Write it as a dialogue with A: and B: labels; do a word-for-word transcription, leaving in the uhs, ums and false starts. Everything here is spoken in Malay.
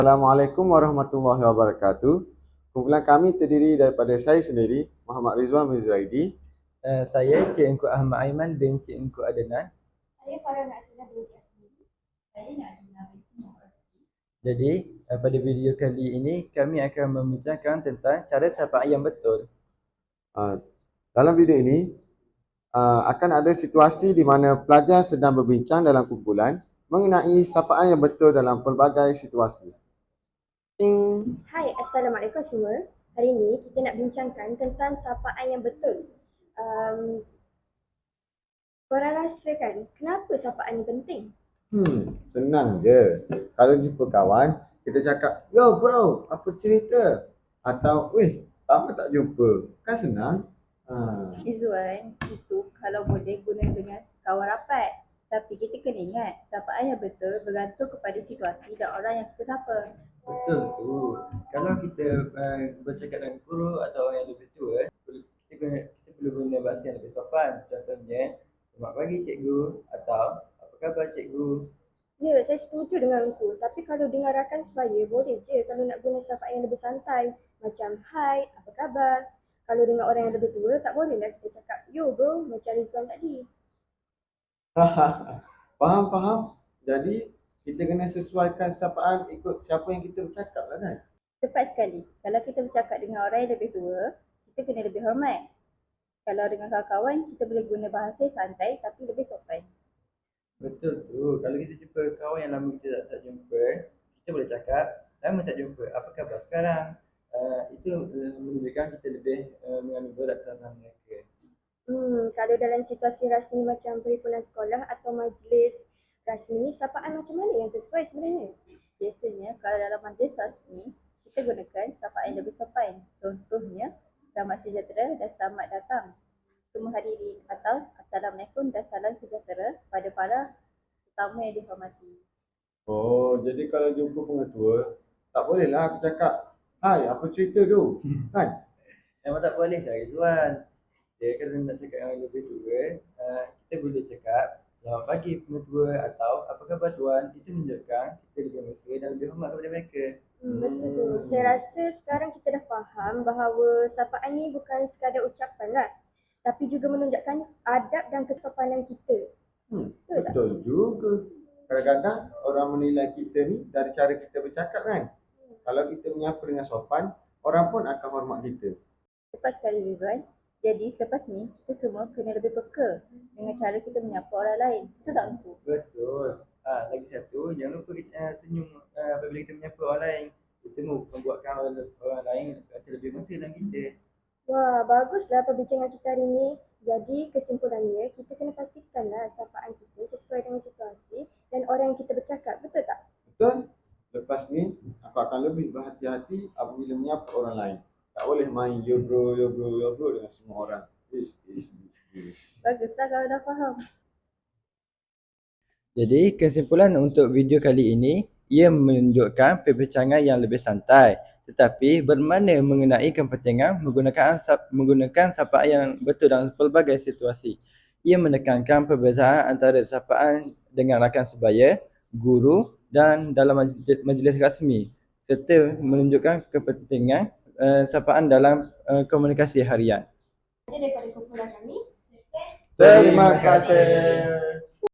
A: Assalamualaikum warahmatullahi wabarakatuh. Kumpulan kami terdiri daripada saya sendiri, Muhammad Rizwan bin Zaidi.
B: Uh, saya Cik Engku Ahmad Aiman bin Cik Engku Adenan.
C: Saya Farah Natina binti Asmi. Saya Natina binti Muhammad.
B: Jadi, uh, pada video kali ini kami akan membincangkan tentang cara sapaan yang betul.
A: Uh, dalam video ini uh, akan ada situasi di mana pelajar sedang berbincang dalam kumpulan mengenai sapaan yang betul dalam pelbagai situasi. Ting.
C: Hai, Assalamualaikum semua. Hari ini kita nak bincangkan tentang sapaan yang betul. Um, korang rasa kan, kenapa sapaan ni penting?
A: Hmm, senang je. Kalau jumpa kawan, kita cakap, "Yo bro, apa cerita?" Atau, "Weh, lama tak jumpa." Kan senang? Ha.
D: Izzuan, itu kalau boleh guna dengan kawan rapat. Tapi kita kena ingat, sapaan yang betul bergantung kepada situasi dan orang yang kita sapa.
B: Betul tu. Kalau kita uh, bercakap dengan guru atau orang yang lebih tua, kita, guna, kita perlu guna bahasa yang lebih sopan. Contohnya, "Selamat pagi cikgu" atau "Apa khabar cikgu?"
C: Ya, saya setuju dengan Engku. Tapi kalau dengar rakan sebaya, boleh je kalau nak guna sapaan yang lebih santai. Macam, "Hai, apa khabar?" Kalau dengan orang yang lebih tua, tak bolehlah kita cakap, "Yo bro," macam Rizwan tadi.
A: Faham, faham. Jadi, kita kena sesuaikan sapaan ikut siapa yang kita bercakap lah kan?
D: Tepat sekali. Kalau kita bercakap dengan orang yang lebih tua, kita kena lebih hormat. Kalau dengan kawan-kawan, kita boleh guna bahasa santai tapi lebih sopan.
B: Betul tu. Kalau kita jumpa kawan yang lama kita tak, tak jumpa, kita boleh cakap, "Lama tak jumpa, apa khabar sekarang?" Uh, itu uh, menunjukkan kita lebih uh, mengambil berat tentang mereka.
C: Hmm, kalau dalam situasi rasmi macam perhimpunan sekolah atau majlis rasmi, sapaan macam mana yang sesuai sebenarnya?
D: Biasanya, kalau dalam majlis rasmi, kita gunakan sapaan yang lebih sopan. Contohnya, "Selamat sejahtera dan selamat datang semua hadirin," atau "Assalamualaikum dan salam sejahtera pada para tetamu yang dihormati."
A: Oh, jadi kalau jumpa pengetua, tak bolehlah aku cakap, "Hai, apa cerita tu?" Kan?
B: Memang tak boleh dah Rizwan. Dia kalau nak cakap dengan yang lebih tua, uh, kita boleh cakap, "Selamat pagi pengetua" atau "Apa khabar tuan?" Itu menunjukkan kita lebih mesra dan lebih hormat kepada mereka.
C: Hmm, betul tu. Saya rasa sekarang kita dah faham bahawa sapaan ni bukan sekadar ucapan lah, tapi juga menunjukkan adab dan kesopanan kita.
A: Hmm,
C: Betul tak?
A: betul juga. Kadang-kadang orang menilai kita ni dari cara kita bercakap kan? Kalau kita menyapa dengan sopan, orang pun akan hormat kita.
D: Tepat sekali Rizwan. Jadi selepas ni, kita semua kena lebih peka dengan cara kita menyapa orang lain. Betul tak Engku?
B: Betul. Ah, lagi satu, jangan lupa kita uh, senyum uh, apabila kita menyapa orang lain. Itu membuatkan orang, orang lain rasa lebih mesra dengan kita.
C: Wah, baguslah perbincangan kita hari ni. Jadi kesimpulannya, kita kena pastikanlah sapaan kita sesuai dengan situasi dan orang yang kita bercakap. Betul tak?
A: Betul? Lepas ni, aku akan lebih berhati-hati apabila menyapa orang lain. Tak boleh main yo bro, yo bro, yo bro dengan semua orang. Ish, ish, ish, ish.
D: Baguslah kalau dah faham.
B: Jadi kesimpulan untuk video kali ini, ia menunjukkan perbincangan yang lebih santai tetapi bermakna mengenai kepentingan menggunakan sap, menggunakan sapaan yang betul dalam pelbagai situasi. Ia menekankan perbezaan antara sapaan dengan rakan sebaya, guru dan dalam majlis, majlis rasmi serta menunjukkan kepentingan uh, sapaan dalam uh, komunikasi harian.
C: Jadi daripada kumpulan kami,
A: Terima kasih.